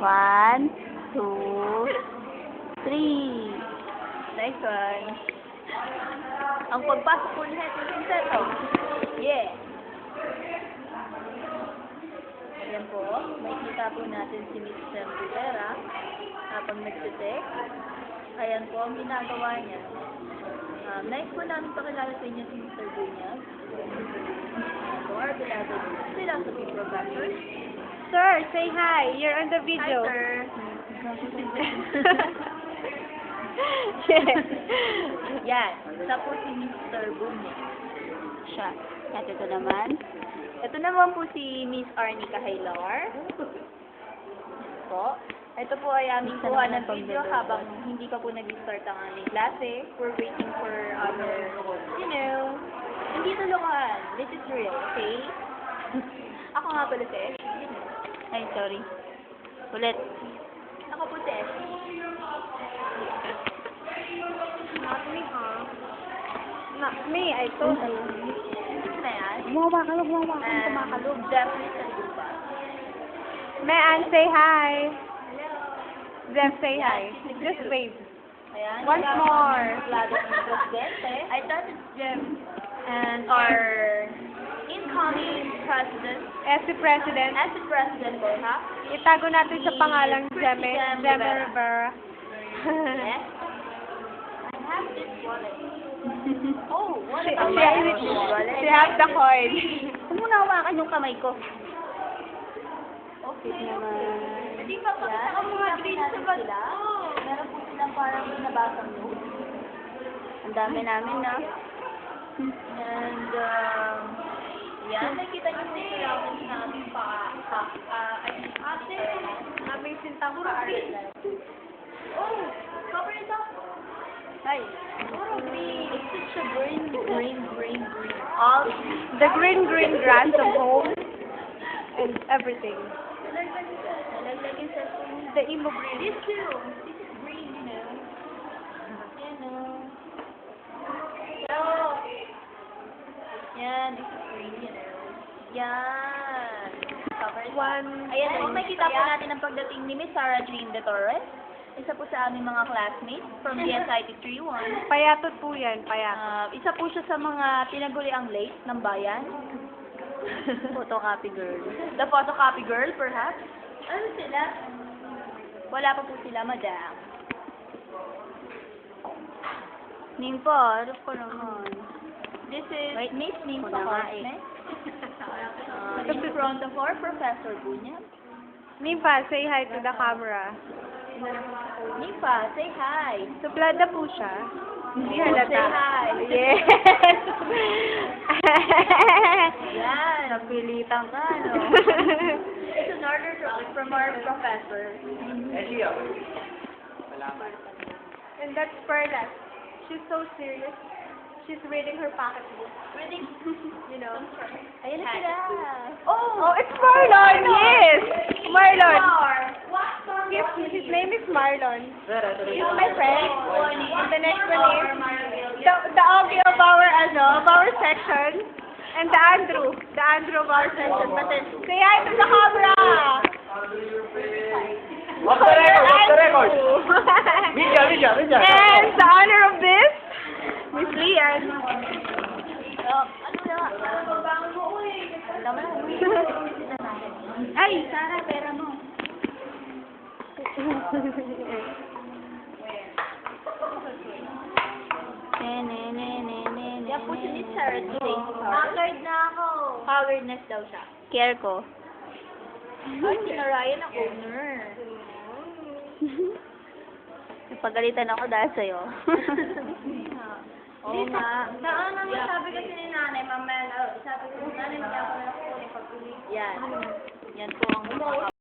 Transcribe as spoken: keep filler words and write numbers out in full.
One, two, three. Nice one. Ang pagpasok po ni Jesus Pinseto. Yeah. Ayan po. May kita po natin si Miss Sam Rivera habang nagsitek. Ayan po ang ginagawa niya. Um, nice po namin pakilala sa inyo si Mister Bunyag. So, our beloved philosophy professor. Sir, say hi. You're on the Hi, video. sir. Yan. Isa po si Mister Bunyag. Siya. At ito naman. Ito naman po si Miss Arnica Haylar. Po. Ito po ay aming Isa kuha naman ng ang video pagdadala. habang hindi pa po nag-start ang aming klase. We're waiting for our, you know, hindi tulungan. This is real, okay? Ako nga pala si Esh. Ay, sorry. Ulit. Ako po si Esh. Not me, huh? Not me, I told you. Sino na yan? Gumawa ka lang, gumawa ka lang, Um, kumakalog. Jeffrey Sanduba. Mayan, say hi. Jeff, say hi. Just wave. Ayan. Once more. Lado ng presidente. I thought it's Jeff. And our incoming president, As the president, as the president po, ha? itago natin sa pangalang Si Jeme, Christian Jeme Rivera. Rivera. Yes. I have this wallet. Oh, what She, a she, she has the coin. Huwag mo na hawakan yung kamay ko. Okay. Naman. Hindi pa pa Ang mga green sa bag. sila. Meron po silang parang nabasang note. Ang dami namin, na. And, um, yan, nakita niyo po sila ako sa aming pa, pa, ah, ay, ate, Aming sintang puro green. Oh, cover it up. Ay. Puro green. It's such a green, green, green, green. All The green, green grass of home and everything. nalaglag yung cellphone niya. The emo green. This too. This is green, you know. You know. So, yan, this is green, you know. Yan. Cover it up. One. Ayan po, makikita po natin ang pagdating ni Miss Sarah Jean De Torres. Isa po sa aming mga classmates from D S I T three one. Payatot po yan, payatot. Uh, isa po siya sa mga tinaguli ang late ng bayan. Photocopy girl. The photocopy girl, perhaps? Ano sila? Wala pa po sila, madam. Ningpo, harap ko naman. This is Wait, Miss Ning Ako na nga eh. Pahorsne. Uh, in front of our Professor Bunyag. Nimpa, say hi to the camera. Nipa, say hi. Suplada po siya. Hindi Oh, halata. say hi. Yes! Yan. Napilitan ka, no? It's an order from, from our professor. And that's Perla. She's so serious. She's reading her pocketbook. Reading. You know. Ayan na sila. Oh, it's Marlon! Yes! Marlon! What? His, his name is Marlon. He's my friend. And the next one is the, the Augie of our, ano, of our section. And the Andrew. The Andrew of our section. But then, say hi to the camera! Off the record, off the record. Video, video, video. And the honor of this, Miss Lian. Oh, ano na? Ano mo, uy? Tama na. Ay, Sarah, pera mo. Ne, ne, ne, ne, ne, ne, Yan po si Miss Sarah Jane. Haggard na ako. Haggardness daw siya. Care ko. Ay, sinarayan ang owner. Napagalitan ako dahil sa'yo. Oo nga. Saan naman sabi kasi ni nanay, mamaya, sabi ko, nanay, hindi ako na ako pag-uli. Yan. Yan po ang